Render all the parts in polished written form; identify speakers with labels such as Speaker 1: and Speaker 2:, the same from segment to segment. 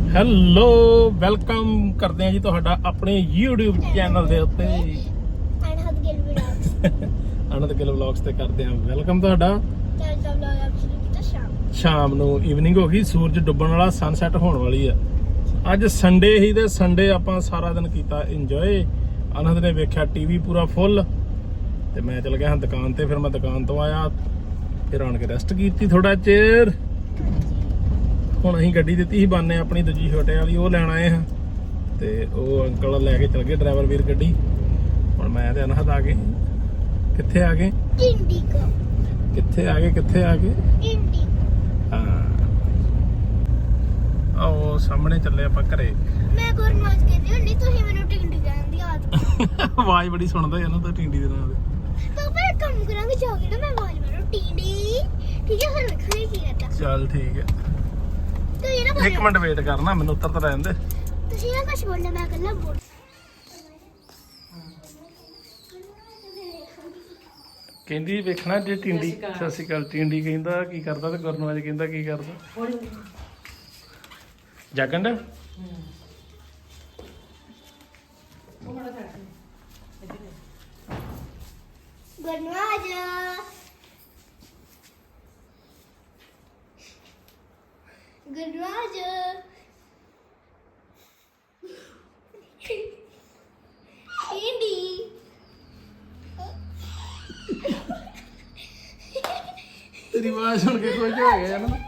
Speaker 1: Hello welcome ਕਰਦੇ ਆ ਜੀ ਤੁਹਾਡਾ ਆਪਣੇ YouTube ਚੈਨਲ ਦੇ ਉੱਤੇ ਅਨੰਦ ਗਿੱਲ ਵਲੌਗਸ ਤੇ ਕਰਦੇ ਆ ਵੈਲਕਮ ਤੁਹਾਡਾ। ਸ਼ਾਮ ਨੂੰ ਈਵਨਿੰਗ ਹੋ ਗਈ, ਸੂਰਜ ਡੁੱਬਣ ਵਾਲਾ, ਸਨਸੈਟ ਹੋਣ ਵਾਲੀ ਆ। ਅੱਜ ਸੰਡੇ ਹੀ ਤੇ ਸੰਡੇ ਆਪਾਂ ਸਾਰਾ ਦਿਨ ਕੀਤਾ ਇੰਜੋਏ। ਅਨੰਦ ਨੇ ਵੇਖਿਆ ਟੀਵੀ ਪੂਰਾ ਫੁੱਲ ਤੇ ਮੈਂ ਚਲ ਗਿਆ ਹਾਂ ਦੁਕਾਨ ਤੇ। ਫਿਰ ਮੈਂ ਦੁਕਾਨ ਤੋਂ ਆਇਆ, ਫਿਰ ਆਣ ਕੇ ਰੈਸਟ ਕੀਤੀ ਥੋੜਾ ਚਿਰ। ਹੁਣ ਅਸੀਂ ਗੱਡੀ ਦਿੱਤੀ ਸੀ ਬਾਨੇ ਆਪਣੀ ਦੂਜੀ ਛੋਟੇ ਵਾਲੀ, ਉਹ ਲੈਣ ਆਏ ਹਾਂ ਤੇ ਉਹ ਅੰਕਲ ਲੈ ਕੇ ਚਲ ਗਏ ਡਰਾਈਵਰ ਵੀਰ ਗੱਡੀ। ਹੁਣ ਮੈਂ ਤੇ ਅਨਹਦ ਆ ਗਏ। ਕਿੱਥੇ ਆ ਗਏ? ਕਿੱਥੇ ਆ ਗਏ? ਕਿੱਥੇ ਆ ਗਏ? ਹਾਂ ਆਓ ਸਾਹਮਣੇ ਚੱਲੇ ਆਪਾਂ ਘਰੇ।
Speaker 2: ਮੈਂ ਗੁਰਨਾਜ ਕਹਿੰਦੀ ਹੁੰਦੀ, ਤੁਸੀਂ ਮੈਨੂੰ ਟਿੰਡੀ ਕਹਿਣ ਦੀ ਆਦਤ।
Speaker 1: ਆਵਾਜ਼ ਬੜੀ ਸੁਣਦਾ ਹੈ ਨਾ ਤਾਂ ਟਿੰਡੀ ਦੇ ਨਾਂ ਦੇ।
Speaker 2: ਪਾਪਾ ਇੱਕ ਕੰਮ ਕਰਾਂਗੇ, ਜਾ ਕੇ ਨਾ ਮੈਂ ਆਵਾਜ਼ ਮਾਰੂ ਟਿੰਡੀ, ਠੀਕ ਹੈ? ਫਿਰ ਵੇਖਾਂਗੇ ਕੀ ਕਰਦਾ।
Speaker 1: ਚੱਲ ਠੀਕ ਹੈ,
Speaker 2: ਤੁਸੀਂ ਨਾ
Speaker 1: ਇੱਕ ਮਿੰਟ ਵੇਟ ਕਰਨਾ, ਮੈਨੂੰ ਉੱਤਰ ਤਾਂ ਰਹਿਣ ਦੇ।
Speaker 2: ਤੁਸੀਂ ਨਾ ਕੁਝ ਬੋਲਣਾ, ਮੈਂ ਕੱਲਾ ਬੋਲ।
Speaker 1: ਕਹਿੰਦੀ ਵੇਖਣਾ ਜੇ ਟਿੰਡੀ। ਸਤਿ ਸ਼੍ਰੀ ਅਕਾਲ। ਟਿੰਡੀ ਕਹਿੰਦਾ ਕੀ ਕਰਦਾ ਤੇ ਗੁਰਨਵਾਜ ਕਹਿੰਦਾ ਕੀ ਕਰਦਾ। ਜਾਗਣ ਦਾ
Speaker 2: ਗੁਰਨਾਜ ਗੁਰਨਾਜ ਟਿੰਡੀ
Speaker 1: ਤੇਰੀ ਆਵਾਜ਼ ਸੁਣ ਕੇ ਕੁਝ ਹੋ ਗਿਆ ਨਾ।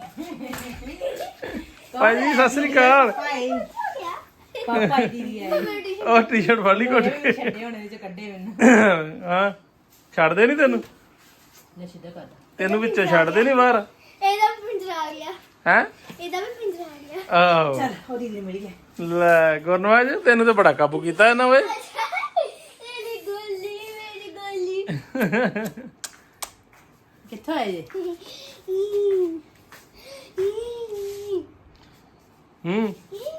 Speaker 1: ਭਾਈ ਸਤਿ ਸ਼੍ਰੀ ਅਕਾਲ।
Speaker 3: ਪਾਪਾ ਦੀ ਹੈ
Speaker 1: ਉਹ ਟੀ-ਸ਼ਰਟ ਫੜ ਲਈ ਘੁੱਟ ਕੇ।
Speaker 3: ਛੱਡੇ ਹੋਣੇ ਵਿੱਚ ਕੱਢੇ ਮੈਨੂੰ।
Speaker 1: ਹਾਂ ਛੱਡਦੇ ਨਹੀਂ ਤੈਨੂੰ?
Speaker 3: ਲੈ ਸਿੱਧਾ ਕਰ।
Speaker 1: ਤੈਨੂੰ ਵਿੱਚੋਂ ਛੱਡਦੇ ਨਹੀਂ ਬਾਹਰ?
Speaker 2: ਇਹਦਾ ਵੀ ਪਿੰਜਰਾ ਆ ਗਿਆ।
Speaker 1: ਹੈ
Speaker 2: ਇਹਦਾ ਵੀ ਪਿੰਜਰਾ ਆ ਗਿਆ।
Speaker 1: ਆਹੋ
Speaker 3: ਚੱਲ ਉਹਦੀ ਦੇ ਮਿਲ ਗਿਆ।
Speaker 1: ਲੈ ਗੁਰਨਵਾਜ ਤੈਨੂੰ ਤਾਂ ਬੜਾ ਕਾਬੂ ਕੀਤਾ ਇਹਨਾਂ ਓਏ।
Speaker 2: ਮੇਰੀ ਗੋਲੀ
Speaker 3: ਕਿੱਥੋਂ ਆਏ ਜੇ?
Speaker 1: ਹੂੰ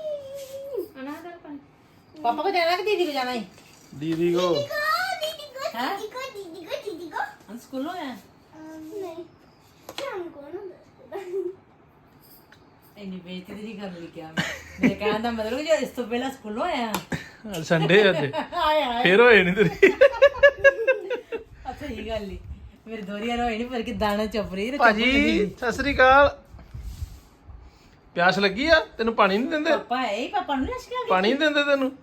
Speaker 3: ਪਾਪਾ ਕੋ ਜਾਣਾ ਕਿ ਦੀਦੀ ਕੋ ਜਾਣਾ ਹੈ?
Speaker 1: ਦੀਦੀ ਕੋ।
Speaker 3: ਹੈਂ?
Speaker 2: दीदी को
Speaker 3: हम स्कूलों हैं।
Speaker 2: नहीं शाम को ना
Speaker 3: ਇੰਨੀ ਬੇਇੱਜ਼ਤੀ ਦੀ ਕਰ ਲਈ ਕਿਆ ਮੇਰੇ ਕਹਿਣ ਦਾ ਮਤਲਬ ਜੋ ਇਸ ਤੋਂ ਪਹਿਲਾਂ ਸਕੂਲੋਂ ਆਇਆ।
Speaker 1: ਸੰਡੇ ਅੱਜ
Speaker 3: ਆਏ ਆਏ
Speaker 1: ਫੇਰ ਹੋਏ ਨਹੀਂ ਤੇਰੀ।
Speaker 3: ਅੱਛਾ ਇਹ ਗੱਲ ਹੀ ਮੇਰੇ ਦੋਰੀਆਂ ਹੋਈ ਨਹੀਂ ਪਰ ਕਿ ਦਾਣਾ ਚੁੱਪ ਰਹੀ।
Speaker 1: ਭਾਜੀ ਸਤਿ ਸ੍ਰੀ ਅਕਾਲ। ਪਿਆਸ ਲੱਗੀ ਆ ਤੈਨੂੰ? ਪਾਣੀ ਨਹੀਂ ਦਿੰਦੇ?
Speaker 3: ਪਾਪਾ ਹੈ ਪਾਪਾ ਨੂੰ ਲਸ਼ਕਾ
Speaker 1: ਪਾਣੀ ਨਹੀਂ ਦਿੰਦੇ ਤੈਨੂੰ?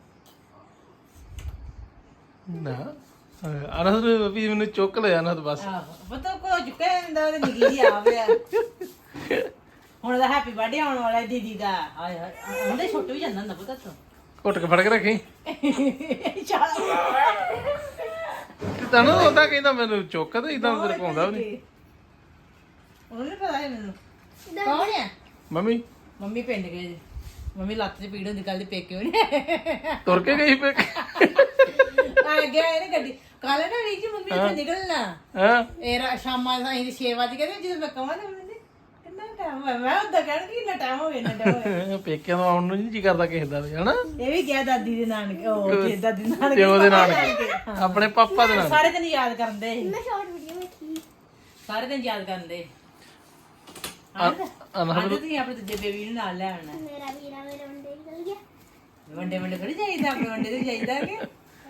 Speaker 1: ਨਾ ਅਨਹਦ ਵੀ ਮੈਨੂੰ ਚੁੱਕ ਲਿਆ ਅਨਹਦ ਬਸ।
Speaker 3: ਆਹੋ ਪਤਾ ਕੋ ਚੁੱਕਿਆ ਹੁੰਦਾ ਤੇ ਨਿੱਕੀ ਜੀ ਆ ਗਿਆ। ਹੁਣ ਦਾ ਹੈਪੀ ਬਰਥਡੇ ਆਉਣ ਵਾਲਾ ਦੀਦੀ ਦਾ। ਹਾਏ ਹਾਏ ਉਹਦੇ ਛੋਟੇ ਵੀ ਜਾਂਦਾ ਹੁੰਦਾ ਪਤਾ ਤੂੰ।
Speaker 1: ਘੁੱਟ ਕੇ ਫੜ ਕੇ ਰੱਖੀ।
Speaker 3: ਚੱਲ
Speaker 1: ਤੈਨੂੰ ਉਹਦਾ ਕਹਿੰਦਾ ਮੈਨੂੰ ਚੁੱਕ ਤੇ ਇਦਾਂ ਤੇਰੇ ਪਾਉਂਦਾ ਵੀ ਨਹੀਂ।
Speaker 3: ਉਹਨੂੰ ਪਤਾ ਹੈ ਮੈਨੂੰ ਕੌਣ ਹੈ।
Speaker 1: ਮੰਮੀ
Speaker 3: ਮੰਮੀ ਪਿੰਡ ਗਏ ਜੀ। ਮੰਮੀ ਲੱਤ 'ਚ ਪੀੜ ਹੁੰਦੀ ਕੱਲ ਦੇ ਪੇਕੇ ਉਹਨੇ
Speaker 1: ਤੁਰ ਕੇ ਗਈ ਪੇ।
Speaker 3: ਆ ਗਿਆ ਇਹਨੇ ਗੱਡੀ ਕੱਲ ਨਾ ਰੀਚ ਮੰਮੀ ਇੱਥੇ ਨਿਕਲਣਾ।
Speaker 1: ਹਾਂ
Speaker 3: ਇਹ ਸ਼ਾਮਾਂ ਦਾ 6 ਵਜੇ ਕਹਿੰਦੇ ਜਦੋਂ ਮੈਂ ਕਹਾਂ ਨਾ ਮੰਮੀ ਕਿੰਨਾ ਟਾਈਮ ਹੋਇਆ। ਮੈਂ ਉਦਾਂ ਕਹਿਣ ਕਿ ਇੰਨਾ ਟਾਈਮ ਹੋ ਗਿਆ ਇੰਨਾ ਟਾਈਮ ਹੋਇਆ।
Speaker 1: ਪੇਕਿਆਂ ਤੋਂ ਆਉਣ ਨੂੰ ਨਹੀਂ ਜੀ ਕਰਦਾ ਕਿਸੇ ਦਾ ਵੀ ਹਨਾ।
Speaker 3: ਇਹ ਵੀ ਗਿਆ ਦਾਦੀ ਦੇ ਨਾਨਕੇ ਉਹ ਤੇ ਦਾਦੀ ਦੇ ਨਾਨਕੇ
Speaker 1: ਪਿਓ ਦੇ ਨਾਲ ਆਪਣੇ ਪਾਪਾ ਦੇ ਨਾਲ
Speaker 3: ਸਾਰੇ ਦਿਨ ਯਾਦ ਕਰਦੇ
Speaker 2: मैं शॉर्ट वीडियो में थी।
Speaker 3: ਸਾਰੇ ਦਿਨ ਯਾਦ ਕਰਦੇ।
Speaker 1: ਅਨਹਦ
Speaker 3: ਤੁਸੀਂ ਆਪਣੇ ਦੂਜੇ ਬੇਬੀ ਨੂੰ ਨਾਲ ਲੈ ਆਉਣਾ।
Speaker 2: मेरा वीरा मेरे वनडे निकल गया।
Speaker 3: ਵੰਡੇ ਵੰਡੇ ਥੋੜੀ ਜਾਈਦਾ ਆਪਣੇ ਵੰਡੇ ਤੇ ਜਾਈਦਾ ਕਿ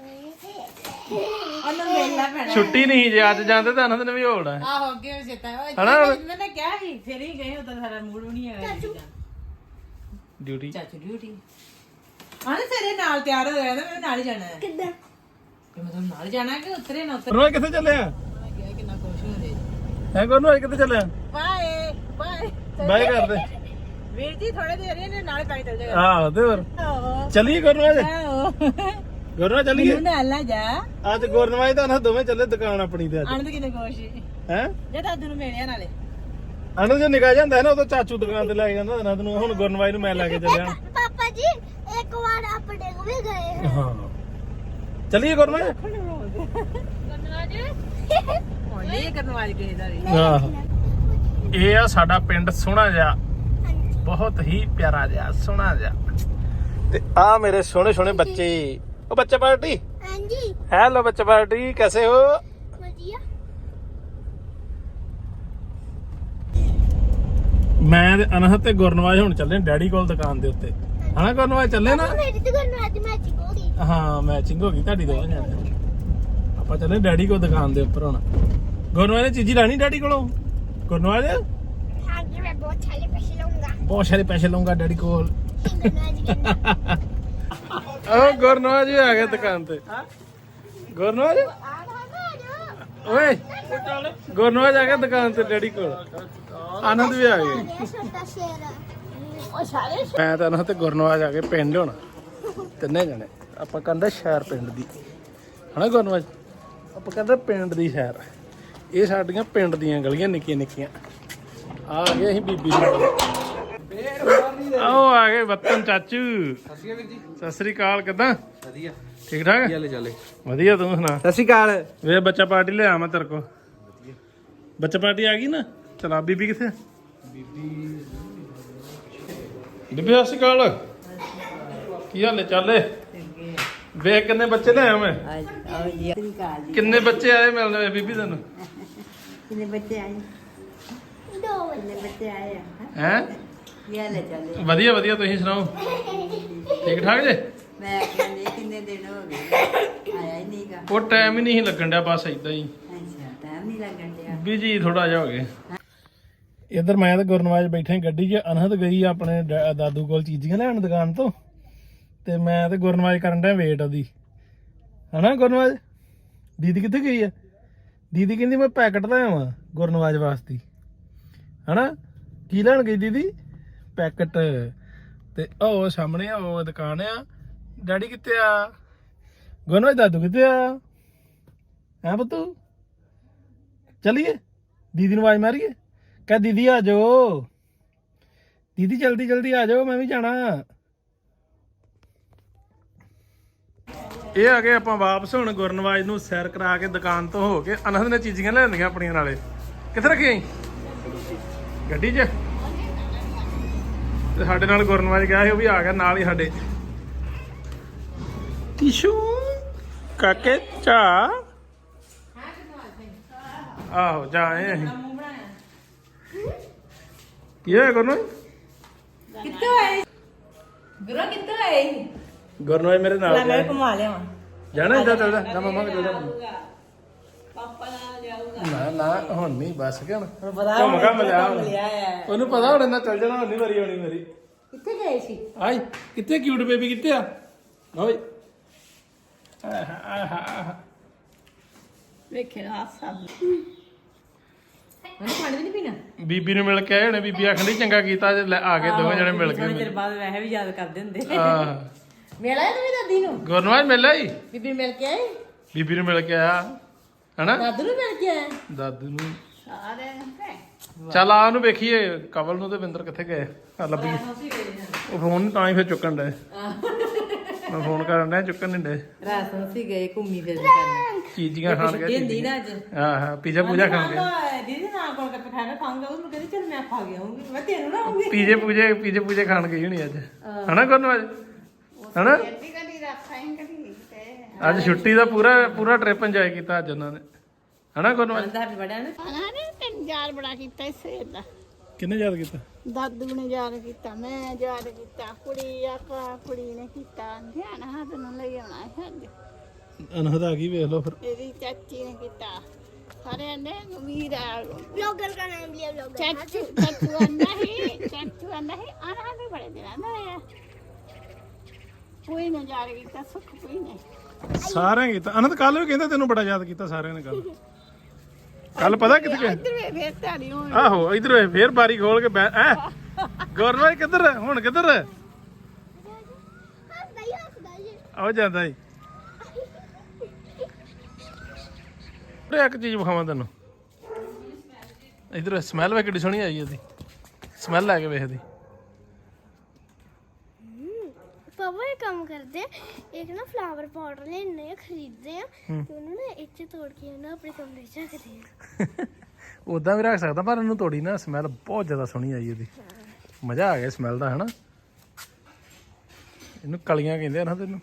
Speaker 3: ਉਹਨਾਂ ਨੂੰ ਵੇਖਣਾ ਪੈਣਾ।
Speaker 1: ਛੁੱਟੀ ਨਹੀਂ ਜੇ ਅੱਜ ਜਾਂਦੇ ਤਾਂ ਅਨਹਦ ਨੇ ਵੀ ਹੋਣਾ।
Speaker 3: ਆਹੋ ਅੱਗੇ ਵੀ ਚੇਤਾ
Speaker 1: ਹਨਾ?
Speaker 3: ਉਹਨਾਂ ਨੇ ਕਿਹਾ ਸੀ ਫਿਰ ਹੀ ਗਏ ਉਦੋਂ ਸਾਰਾ ਮੂਡ ਵੀ ਨਹੀਂ ਹੈਗਾ
Speaker 1: ਡਿਊਟੀ
Speaker 3: ਚਾਚੂ ਡਿਊਟੀ ਆਨੇ ਤੇਰੇ ਨਾਲ ਤਿਆਰ ਹੋ ਗਿਆ ਤਾਂ ਮੈਂ ਨਾਲ ਹੀ ਜਾਣਾ ਹੈ।
Speaker 2: कितना
Speaker 3: ਕਿ ਮੈਂ ਤੁਹਾਨੂੰ ਨਾਲ ਜਾਣਾ ਕਿ ਉਤਰੇ ਨਾ ਉਤਰੇ।
Speaker 1: ਗੁਰਨਵਾਜ ਕਿੱਥੇ ਚੱਲਿਆ?
Speaker 3: ਮੈਂ ਕਿਹਾ ਕਿੰਨਾ ਖੁਸ਼ ਹੁੰਦੇ।
Speaker 1: ਹੈ ਗੁਰਨਵਾਜ ਕਿੱਥੇ ਚੱਲਿਆ?
Speaker 3: ਬਾਏ ਬਾਏ
Speaker 1: ਬਾਏ ਕਰਦੇ।
Speaker 3: ਵੀਰ ਜੀ ਥੋੜੇ ਦੇਰ ਇਹਨੇ ਨਾਲ ਕਾਈ ਚੱਲ ਜਾਏਗਾ।
Speaker 1: ਆਹ ਤੇ ਹੋਰ
Speaker 3: ਆਹੋ
Speaker 1: ਚੱਲੀਏ ਗੁਰਨਵਾਜ।
Speaker 3: ਆਹੋ
Speaker 1: ਗੁਰਨਵਾਜ ਚੱਲੀਏ।
Speaker 3: ਮੈਨੂੰ ਨਾਲ ਲੈ ਜਾ।
Speaker 1: ਅੱਜ ਗੁਰਨਵਾਜ ਤਾਂ ਅਨਹਦ ਦੋਵੇਂ ਚੱਲੇ ਦੁਕਾਨ ਆਪਣੀ ਤੇ ਅੱਜ।
Speaker 3: ਆਨੰਦ ਕਿੰਨੇ ਖੁਸ਼
Speaker 1: ਹੈ
Speaker 3: ਜੇ ਦਾਦੂ ਨੂੰ ਮਿਲਿਆ ਨਾਲੇ।
Speaker 1: ਅਨਹਦ ਜੇ ਨਿਕਾ ਜਾਂਦਾ ਹੈ ਨਾ ਉਦੋਂ ਚਾਚੂ ਦੁਕਾਨ ਤੇ ਲੈ ਕੇ ਜਾਂਦਾ ਅਨਹਦ ਨੂੰ। ਹੁਣ ਗੁਰਨਵਾਜ ਨੂੰ ਮੈਂ ਲੈ ਕੇ ਚੱਲਿਆ।
Speaker 2: पापा जी एक बार अपने को भी गए हैं।
Speaker 1: ਹਾਂ ਚੱਲੀਏ ਗੁਰਨਵਾਜ।
Speaker 2: गुरनाज
Speaker 3: ਹੁਣ ਨਹੀਂ ਕਰਨਵਾਜ ਕਿਸੇ ਦਾ ਵੀ।
Speaker 1: ਆਹ ਇਹ ਆ ਸਾਡਾ ਪਿੰਡ ਸੋਹਣਾ ਜਿਹਾ, ਬਹੁਤ ਹੀ ਪਿਆਰਾ ਜਿਹਾ ਸੋਹਣਾ ਜਿਹਾ। ਤੇ ਆ ਮੇਰੇ ਸੋਹਣੇ ਸੋਹਣੇ ਬੱਚੇ। ਉਹ ਬੱਚਾ ਪਾਰਟੀ।
Speaker 2: हाँ जी
Speaker 1: हेलो बच्चा पार्टी, कैसे हो?
Speaker 2: बढ़िया।
Speaker 1: ਮੈਂ ਤੇ ਅਨਹਤ ਤੇ ਗੁਰਨਵਾਜ ਹੁਣ ਚੱਲੇ ਡੈਡੀ ਕੋਲ ਦੁਕਾਨ ਦੇ ਉੱਤੇ ਹਨਾ ਗੁਰਨਵਾਜ ਚੱਲੇ ਨਾ
Speaker 2: ਮੇਰੀ ਤੇ ਕਰਨ ਅੱਜ ਮੈਚਿੰਗ ਹੋ ਗਈ
Speaker 1: ਹਾਂ ਮੈਚਿੰਗ ਹੋ ਗਈ ਤੁਹਾਡੀ ਦੋਵਾਂ ਜਾਣੇ ਆਪਾਂ ਚੱਲੇ ਡੈਡੀ ਕੋਲ ਦੁਕਾਨ ਦੇ ਉੱਪਰ ਹੁਣ ਗੁਰਨਵਾਜ ਨੇ ਚੀਜ਼ੀ ਲੈਣੀ ਡੈਡੀ ਕੋਲੋਂ ਗੁਰਨਵਾਜ
Speaker 2: ਹਾਂ ਜੀ ਮੈਂ ਬਹੁਤ ਸਾਰੇ ਪੈਸੇ ਲਵਾਂਗਾ
Speaker 1: ਬਹੁਤ ਸਾਰੇ ਪੈਸੇ ਲਵਾਂਗਾ ਡੈਡੀ ਕੋਲ
Speaker 2: ਅੱਜ ਕਹਿੰਦਾ
Speaker 1: ਉਹ ਗੁਰਨਵਾਜ ਵੀ ਆ ਗਿਆ ਦੁਕਾਨ ਤੇ ਗੁਰਨਵਾਜ ਓਏ ਗੁਰਨਵਾਜ ਆ ਗਿਆ ਦੁਕਾਨ ਤੇ ਡੈਡੀ ਕੋਲ ਆਨੰਦ ਵੀ ਆ ਗਿਆ
Speaker 2: ਛੋਟਾ ਸ਼ੇਰ
Speaker 3: ਉਹ ਸਾਰੇ
Speaker 1: ਮੈਂ ਤਾਂ ਨਾ ਤੇ ਗੁਰਨਵਾਜ ਆ ਕੇ ਪਿੰਡ ਹੁਣ ਤਿੰਨੇ ਜਣੇ ਆਪਾਂ ਕਹਿੰਦੇ ਸ਼ਹਿਰ ਪਿੰਡ ਦੀ ਹਨਾ ਗੁਰਨਵਾਜ ਆਪਾਂ ਕਹਿੰਦੇ ਪਿੰਡ ਦੀ ਸ਼ਹਿਰ ਇਹ ਸਾਡੀਆਂ ਪਿੰਡ ਦੀਆਂ ਗਲੀਆਂ ਨਿੱਕੀਆਂ ਨਿੱਕੀਆਂ ਆ ਗਏ ਅਸੀਂ ਬੀਬੀ ਆਓ ਆ ਗਏ ਵਤਨ ਚਾਚੂ ਸਤਿ ਸ੍ਰੀ ਅਕਾਲ ਕਿੱਦਾਂ
Speaker 4: ਵਧੀਆ
Speaker 1: ਠੀਕ ਠਾਕ
Speaker 4: ਚੱਲੇ
Speaker 1: ਵਧੀਆ ਤੂੰ ਸੁਣਾ
Speaker 4: ਸਤਿ ਸ਼੍ਰੀ ਅਕਾਲ
Speaker 1: ਵੇ ਬੱਚਾ ਪਾਰਟੀ ਲਿਆ ਮੈਂ ਤੇਰੇ ਕੋ ਬੱਚਾ ਪਾਰਟੀ ਆ ਗਈ ਨਾ ਚਲਾ ਬੀਬੀ ਕਿੱਥੇ ਬੀਬੀ ਸਤਿ ਸ਼੍ਰੀ ਅਕਾਲ ਕੀ ਹਾਲ ਹੈ ਚੱਲੇ ਵੇਖ ਕਿੰਨੇ ਬੱਚੇ ਲਿਆਇਆ ਮੈਂ ਕਿੰਨੇ ਬੱਚੇ ਆਏ ਮਿਲਣ ਬੀਬੀ ਤੈਨੂੰ
Speaker 5: ਕਿੰਨੇ ਬੱਚੇ ਆਏ
Speaker 2: ਦੋ
Speaker 5: ਕਿੰਨੇ ਬੱਚੇ ਆਏ ਆ
Speaker 1: ਹੈ
Speaker 5: ਇਹ ਲੈ ਚੱਲੇ
Speaker 1: ਵਧੀਆ ਵਧੀਆ ਤੁਸੀਂ ਸੁਣਾਓ ਠੀਕ ਠਾਕ ਜੇ
Speaker 5: ਮੈਂ ਕਹਿੰਦੀ ਕਿੰਨੇ ਦਿਨ ਹੋ ਗਏ ਆਇਆ ਹੀ ਨਹੀਂਗਾ
Speaker 1: ਉਹ ਟਾਈਮ ਹੀ ਨਹੀਂ ਲੱਗਣ ਡਿਆ ਬਸ ਇਦਾਂ ਹੀ
Speaker 5: ਅੱਛਾ ਟਾਈਮ ਨਹੀਂ ਲੱਗਣ ਡਿਆ
Speaker 1: ਬਿਜੀ ਥੋੜਾ ਜਿਹਾ ਹੋ ਗਿਆ ਇੱਧਰ ਮੈਂ ਤੇ ਗੁਰਨਵਾਜ ਬੈਠੇ ਗੱਡੀ 'ਚ ਅਨਹਦ ਗਈ ਆਪਣੇ ਦਾਦੂ ਕੋਲ ਚੀਜ਼ੀਆਂ ਲੈਣ ਦੁਕਾਨ ਤੋਂ ਤੇ ਮੈਂ ਤੇ ਗੁਰਨਵਾਜ ਕਰਨ ਡਿਆ ਵੇਟ ਉਹਦੀ ਹਨਾ ਗੁਰਨਵਾਜ ਦੀਦੀ ਕਿੱਥੇ ਗਈ ਆ ਦੀਦੀ ਕਹਿੰਦੀ ਮੈਂ ਪੈਕਟ ਲੈ ਆਵਾਂ ਗੁਰਨਵਾਜ ਵਾਸਤੇ ਹਨਾ ਕੀ ਲੈਣ ਗਈ ਦੀਦੀ ਪੈਕਟ ਤੇ ਉਹ ਸਾਹਮਣੇ ਉਹ ਦੁਕਾਨ ਆ ਡੈਡੀ ਕਿੱਥੇ ਆ ਗੁਰਨਵਾਜ ਦਾਦੂ ਕਿੱਥੇ ਆ ਹੈ ਪੁੱਤੂ ਚਲੀਏ ਦੀਦੀ ਨੂੰ ਆਵਾਜ਼ ਮਾਰੀਏ ਕਹ ਦੀਦੀ ਆ ਜਾਓ ਦੀਦੀ ਜਲਦੀ ਜਲਦੀ ਆ ਜਾਓ ਮੈਂ ਵੀ ਜਾਣਾ ਇਹ ਆ ਗਏ ਆਪਾਂ ਵਾਪਸ ਹੁਣ ਗੁਰਨਵਾਜ ਨੂੰ ਸੈਰ ਕਰਾ ਕੇ ਦੁਕਾਨ ਤੋਂ ਹੋ ਕੇ ਅਨੰਦ ਨੇ ਚੀਜ਼ੀਆਂ ਲੈਂਦੀਆਂ ਆਪਣੀਆਂ ਨਾਲੇ ਕਿੱਥੇ ਰੱਖੀਆਂ ਗੱਡੀ 'ਚ ਤੇ ਸਾਡੇ ਨਾਲ ਗੁਰਨਵਾਜ ਗਿਆ ਸੀ ਉਹ ਵੀ ਆ ਗਿਆ ਨਾਲ ਹੀ ਸਾਡੇ ਟਿਸ਼ੂ ਕਾਕੇ ਚਾ ਆਹੋ ਜਾਏ ਅਸੀਂ ਕੀ ਹੋਇਆ ਗੁਰਨਵਾਜ
Speaker 3: ਕਿੱਥੋਂ ਆਏ ਗੁਰੂ ਕਿੱਥੋਂ ਆਏ
Speaker 1: ਗੁਰਨਵਾਜ ਮੇਰੇ ਨਾਲ
Speaker 3: ਮੈਂ ਘੁਮਾ ਲਿਆਵਾਂ
Speaker 1: ਜਾਣਾ ਇੱਦਾਂ ਚੱਲਦਾ ਨਾ ਮੰਮਾ ਕੋਲ ਚੱਲਦਾ
Speaker 3: ਪਾਪਾ ਨਾਲ ਜਾਊਗਾ
Speaker 1: ਨਾ ਨਾ ਹੁਣ ਨਹੀਂ ਬਸ ਗਿਆ
Speaker 3: ਹੁਣ ਪਤਾ
Speaker 1: ਘੁੰਮ ਘੰਮ ਲਿਆ ਹੁਣ
Speaker 3: ਲਿਆ ਹੈ
Speaker 1: ਉਹਨੂੰ ਪਤਾ ਹੁਣ ਇਹਨਾਂ ਚੱਲ ਜਾਣਾ ਹੁਣ ਨਹੀਂ ਵਾਰੀ ਆਉਣੀ ਮੇਰੀ
Speaker 3: ਕਿੱਥੇ ਗਏ ਸੀ
Speaker 1: ਆਈ ਕਿੱਥੇ ਕਿਊਟ ਬੇਬੀ ਕਿੱਥੇ ਆ ਓਏ ਆਹਾ
Speaker 3: ਵੇਖੇ ਹਾਸਾ ਮੈਨੂੰ ਪਾਣੀ ਵੀ ਨਹੀਂ ਪੀਣਾ
Speaker 1: ਬੀਬੀ ਨੂੰ ਮਿਲ ਕੇ ਆਏ ਹੋਣੇ ਬੀਬੀ ਆਖਣ ਡਈ ਚੰਗਾ ਕੀਤਾ ਜੇ ਲੈ ਆ ਕੇ ਦੋਵੇਂ ਜਣੇ ਮਿਲ
Speaker 3: ਥੋੜੇ
Speaker 1: ਗਏ
Speaker 3: ਚਿਰ ਬਾਅਦ ਵੈਸੇ ਵੀ ਯਾਦ ਕਰਦੇ ਹੁੰਦੇ
Speaker 1: ਆਹ
Speaker 3: ਮਿਲ ਆਇਆ ਤੂੰ ਦਾਦੀ ਨੂੰ
Speaker 1: ਗੁਰਨਵਾਜ ਮਿਲ ਆਈ
Speaker 3: ਬੀਬੀ ਮਿਲ ਕੇ ਆਏ
Speaker 1: ਬੀਬੀ ਨੂੰ ਮਿਲ ਕੇ ਆਇਆ ਹਨਾ
Speaker 3: ਦਾਦੂ ਨੂੰ ਮਿਲ ਕੇ ਆਏ
Speaker 1: ਦਾਦੂ ਨੂੰ
Speaker 3: ਸਾਰੇ
Speaker 1: ਚੱਲ ਆ ਉਹਨੂੰ ਵੇਖੀਏ ਕਵਲ ਨੂੰ ਤੇ ਵਿੰਦਰ ਕਿੱਥੇ ਗਏ ਆ ਲੱਭੀ ਉਹ ਫੋਨ ਤਾਂ ਹੀ ਫਿਰ ਚੁੱਕਣ ਡਏ ਮੈਂ ਫੋਨ ਕਰਨ ਡਿਆ ਚੁੱਕਣ ਨਹੀਂ ਡਏ
Speaker 3: ਰਾਸੋਂ ਸੀ ਗਏ ਘੁੰਮੀ ਫਿਰਨ ਕਰਨ
Speaker 1: ਚੀਜ਼ੀਆਂ ਖਾਣ
Speaker 3: ਛੁੱਟੀ ਹੁੰਦੀ
Speaker 1: ਗਏ
Speaker 3: ਨਾ ਅੱਜ
Speaker 1: ਹਾਂ ਹਾਂ ਪੀਜ਼ਾ ਪੂਜਾ ਖਾਣ ਗਏ
Speaker 3: ਦੀਦੀ ਨਾ ਕੋਲ ਕੱਪ ਖਾਣਾ ਖਾਊਂਗਾ ਉਹਨੂੰ ਕਹਿੰਦੀ ਚਲ ਮੈਂ ਖਾ ਗਿਆ ਹੂੰਗੀ ਮੈਂ ਤੈਨੂੰ ਨਾ ਆਉਂਗੀ
Speaker 1: ਪੀਜ਼ੇ ਪੂਜੇ ਖਾਣ ਗਈ ਹੋਣੀ ਅੱਜ ਹਨਾ ਗੁਰਨਵਾਜ ਹਨਾ
Speaker 3: ਕਦੀ ਰੱਖਾਂ ਕਦੀ
Speaker 1: ਅੱਜ ਛੁੱਟੀ ਦਾ ਪੂਰਾ ਟ੍ਰਿਪ ਇੰਜੋਏ ਕੀਤਾ ਅੱਜ ਉਹਨਾਂ ਨੇ ਹਨਾ ਗੁਰਨਵਾਜ
Speaker 3: ਦਾ ਹੈਪੀ ਬਰਥਡੇ ਨੇ
Speaker 6: ਨੇ ਤੈਨੂੰ ਯਾਦ ਬੜਾ ਕੀਤਾ ਇਸ ਸਵੇਰ ਦਾ
Speaker 1: ਕਿੰਨੇ ਯਾਦ ਕੀਤਾ
Speaker 6: ਦਾਦੂ ਨੇ ਯਾਦ ਕੀਤਾ ਮੈਂ ਯਾਦ ਕੀਤਾ ਕੁੜੀ ਨੇ ਕੀਤਾ ਧਿਆਨ ਹੱਥ ਨੂੰ ਲਈ ਆਉਣਾ ਹੈ ਅੱਜ
Speaker 1: ਅਨਹਦ ਆ ਗਈ ਵੇਖ ਲਓ ਫਿਰ
Speaker 6: ਇਹਦੀ ਚਾਚੀ ਨੇ ਕੀਤਾ ਸਾਰਿਆਂ ਨੇ ਵੀਰਾ
Speaker 2: ब्लॉगर का नाम लिया ब्लॉगर
Speaker 6: ਚਾਚੂ ਆਂਦਾ ਹੀ ਆਣਾ ਵੀ ਬੜੇ ਦਿਨਾਂ ਦਾ ਹੈ ਕੋਈ ਨੇ ਯਾਦ ਕੀਤਾ ਸੁੱਖ ਕੋਈ ਨੇ
Speaker 1: ਸਾਰਿਆਂ ਕੀਤਾ ਅਨੰਦ ਕੱਲ ਵੀ ਕਹਿੰਦਾ ਤੈਨੂੰ ਬੜਾ ਯਾਦ ਕੀਤਾ ਸਾਰਿਆਂ ਨੇ ਕੱਲ ਪਤਾ ਕਿੱਥੇ ਗਏ
Speaker 6: ਇੱਧਰ ਫੇਰ ਧਾਰੀ ਹੋਣ
Speaker 1: ਆਹੋ ਇਧਰ ਫੇਰ ਬਾਰੀ ਖੋਲ ਕੇ ਐ ਗੁਰਨਵਾਜ ਕਿੱਧਰ ਹੁਣ ਕਿੱਧਰ ਆਓ ਜਾਂਦਾ ਈ ਉਰੇ ਇੱਕ ਚੀਜ਼ ਵਿਖਾਵਾਂ ਤੈਨੂੰ ਇਧਰ ਸਮੈਲ ਵੇ ਕਿੱਡੀ ਸੋਹਣੀ ਆਈ ਉਹਦੀ ਸਮੈਲ ਲੈ ਕੇ ਵੇਖਦੀ
Speaker 2: पापा ये काम करते हैं एक ना फ्लावर पॉट लेने खरीदते हैं तो उन्होंने इच्चे तोड़ के ना अपने कमरे च रखते हैं
Speaker 1: ਉਦਾਂ ਵੀ ਰੱਖ ਸਕਦਾ ਪਰ ਇਹਨੂੰ ਤੋੜੀ ਨਾ ਸਮੈਲ ਬਹੁਤ ਜ਼ਿਆਦਾ ਸੋਹਣੀ ਆਈ ਉਹਦੀ ਮਜ਼ਾ ਆ ਗਿਆ ਸਮੈਲ ਦਾ ਹਨਾ ਇਹਨੂੰ ਕਲੀਆਂ ਕਹਿੰਦੇ ਆ ਨਾ ਤੈਨੂੰ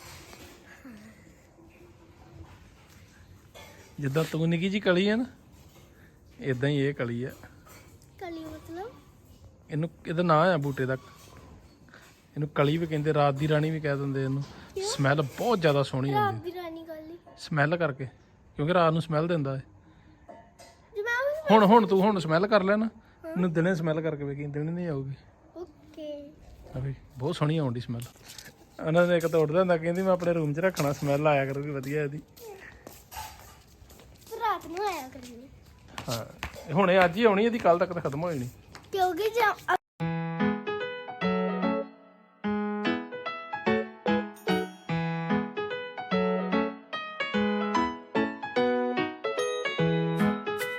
Speaker 1: ਜਿੱਦਾਂ ਤੂੰ ਨਿੱਕੀ ਜੀ ਕਲੀ ਆ ਨਾ ਇਦਾਂ ਹੀ ਇਹ ਕਲੀ ਆ
Speaker 2: कली मतलब
Speaker 1: ਇਹਨੂੰ ਇਹਦਾ ਨਾਂ ਆ ਬੂਟੇ ਦਾ, ਇਹਨੂੰ ਕਲੀ ਵੀ ਕਹਿੰਦੇ, ਰਾਤ ਦੀ ਰਾਣੀ ਵੀ ਕਹਿ ਦਿੰਦੇ ਇਹਨੂੰ। ਸਮੈਲ ਬਹੁਤ ਜ਼ਿਆਦਾ ਸੋਹਣੀ
Speaker 2: ਰਾਤ
Speaker 1: ਆਉਂਦੀ
Speaker 2: ਦੀ ਰਾਣੀ ਗੱਲ
Speaker 1: ਸਮੈਲ ਕਰਕੇ, ਕਿਉਂਕਿ ਰਾਤ ਨੂੰ ਸਮੈਲ ਦਿੰਦਾ ਹੈ।
Speaker 2: ਜੇ ਮੈਂ
Speaker 1: ਹੁਣ ਤੂੰ ਸਮੈਲ ਕਰ ਲੈ ਨਾ, ਇਹਨੂੰ ਦਿਨੇ ਸਮੈਲ ਕਰਕੇ ਵੇਖੀ, ਦਿਨੇ ਨਹੀਂ ਆਊਗੀ।
Speaker 2: ਓਕੇ
Speaker 1: ਅਭੀ ਬਹੁਤ ਸੋਹਣੀ ਆਉਂਦੀ ਸਮੈਲ। ਉਹਨਾਂ ਨੇ ਇੱਕ ਤੋੜਦਾ ਹੁੰਦਾ, ਕਹਿੰਦੀ ਮੈਂ ਆਪਣੇ ਰੂਮ 'ਚ ਰੱਖਣਾ, ਸਮੈਲ ਆਇਆ ਕਰੂਗੀ ਵਧੀਆ ਇਹਦੀ।
Speaker 2: ਰਾਤ ਨੂੰ ਆਇਆ ਕਰੀ
Speaker 1: ਹਾਂ ਹੁਣ ਇਹ ਅੱਜ ਹੀ ਆਉਣੀ, ਇਹਦੀ ਕੱਲ ਤੱਕ ਤਾਂ ਖਤਮ ਹੋ ਜਾਣੀ।
Speaker 2: ਕਿਉਂਕਿ ਜੇ